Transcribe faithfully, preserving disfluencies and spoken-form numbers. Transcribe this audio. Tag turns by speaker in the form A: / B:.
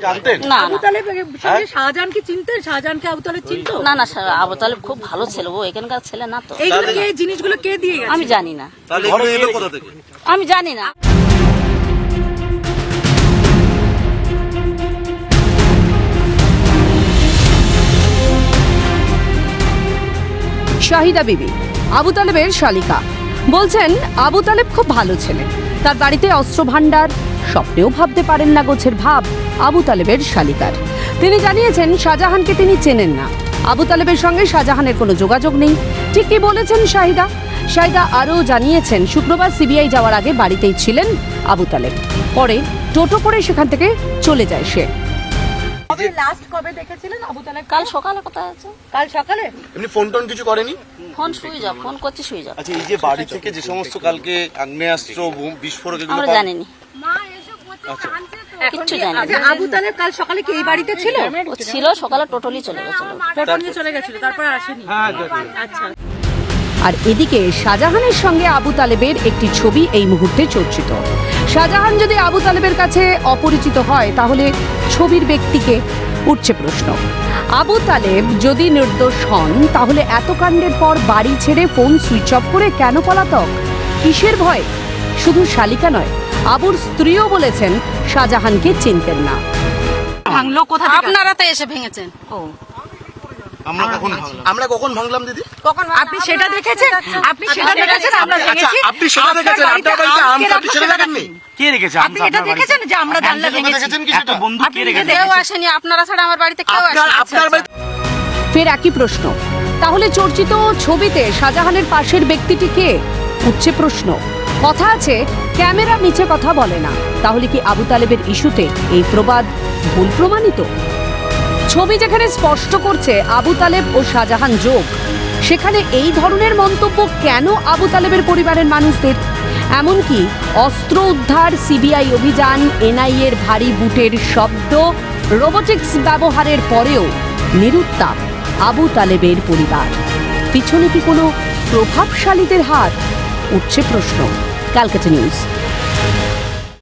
A: জানতেন
B: না
C: আবু তালেবের সঙ্গে শাহজাহান কি চিনতেন? শাহজাহানকে আবু তালেব চিনতো?
B: না না স্যার, আবু তালেব খুব ভালো ছিল, ও এখানকার ছেলে না তো।
C: এইগুলো কে, জিনিসগুলো কে দিয়ে গেছে?
B: আমি জানি না,
A: তাহলে ঘরে এলো কোথা থেকে?
B: আমি জানি না।
D: শাহিদা বিবি আবু তালেবের শালিকা বলছেন, আবু তালেব খুব ভালো ছেলে, তার বাড়িতে অস্ত্র ভান্ডার, স্বপ্নেও ভাবতে পারেন না গোছের ভাব আবু তালেবের শালিকার। তিনি জানিয়েছেন শাহজাহানকে তিনি চেনেন না, আবু তালেবের সঙ্গে শাহজাহানের কোনো যোগাযোগ নেই। ঠিক কি বলেছেন শাহিদা? শাহিদা আরও জানিয়েছেন, শুক্রবার সিবিআই যাওয়ার আগে বাড়িতেই ছিলেন আবু তালেব, পরে টোটো করে সেখান থেকে চলে যায় সে।
C: কবে লাস্ট কবে দেখেছিলেন আবু তালেব?
B: কাল সকালে কথা আছে।
C: কাল সকালে?
A: এমনি ফোন টোন কিছু করেনি?
B: ফোন শুয়ে যাও, ফোন করছি শুয়ে যাও।
A: আচ্ছা, এই যে বাড়ি থেকে যে সমস্ত কালকে আগ্নেয়াস্ত্র বিস্ফোরক এগুলো
B: আমরা
A: পাওয়া-
B: জানিনি, কিচ্ছু জানি
C: আচ্ছা,
B: না।
C: আবু তালেব কাল সকালে কি এই বাড়িতে ছিল?
B: ও ছিল, সকালে টোটালি চলে গেছিল।
C: টোটো নিয়ে চলে গেছিল, তারপর আসেনি? আচ্ছা।
D: আর এদিকে শাহজাহানের সঙ্গে আবু তালেবের একটি ছবি এই মুহূর্তে চর্চিত। শাহজাহান যদি আবু তালেবের কাছে অপরিচিত হয়, তাহলে ছবির ব্যক্তিকে উঠছে প্রশ্ন। আবু তালেব যদি নির্দোষ হন, তাহলে এত কাণ্ডের পর বাড়ি ছেড়ে ফোন সুইচ অফ করে কেন পলাতক? কিসের ভয়? শুধু শালিকা নয়, আবুর স্ত্রীও বলেছেন শাহজাহানকে চিনতেন না।
C: ভাঙলো কোথা থেকে?
B: আপনারা তো এসে ভেঙেছেন। ও
A: আমরা কখন ভাঙলাম? আমরা কখন ভাঙলাম দিদি?
C: কখন আপনি সেটা দেখেছেন? আপনি সেটা দেখেছেন? আমরা
A: আচ্ছা,
C: ভেঙেছি?
A: আপনি সেটা দেখেছেন? আপনার বাড়িতে আম কাটি সেটা দেখেননি?
E: কে রেখেছে?
C: আপনি এটা দেখেছেন যে আমরা জানলা ভেঙেছি?
A: দেখেছেন কি সেটা?
E: বন্ধু কে রেখেছে?
B: কেউ আসেনি, আপনারা ছাড়া আমার বাড়িতে কেউ
A: আপনার
B: আসেনি।
A: আপনার বাড়িতে
D: ফের একই প্রশ্ন, তাহলে চর্চিত ছবিতে শাহজাহানের পাশের ব্যক্তিটি কে? উঠছে প্রশ্ন। কথা আছে, ক্যামেরা মিছে কথা বলে না। তাহলে কি আবু তালেবের ইস্যুতে এই প্রবাদ ভুল প্রমাণিত? ছবি যেখানে স্পষ্ট করছে আবু তালেব ও শাহজাহান যোগ, সেখানে এই ধরনের মন্তব্য কেন আবু তালেবের পরিবারের মানুষদের? এমনকি অস্ত্র উদ্ধার, সিবিআই অভিযান, এনআইএর ভারী বুটের শব্দ, রোবোটিক্স ব্যবহারের পরেও নিরুত্তাপ আবু তালেবের পরিবার। পিছনে কি কোনো প্রভাবশালীদের হাত? উঠছে প্রশ্ন। ক্যালকাটা নিউজ।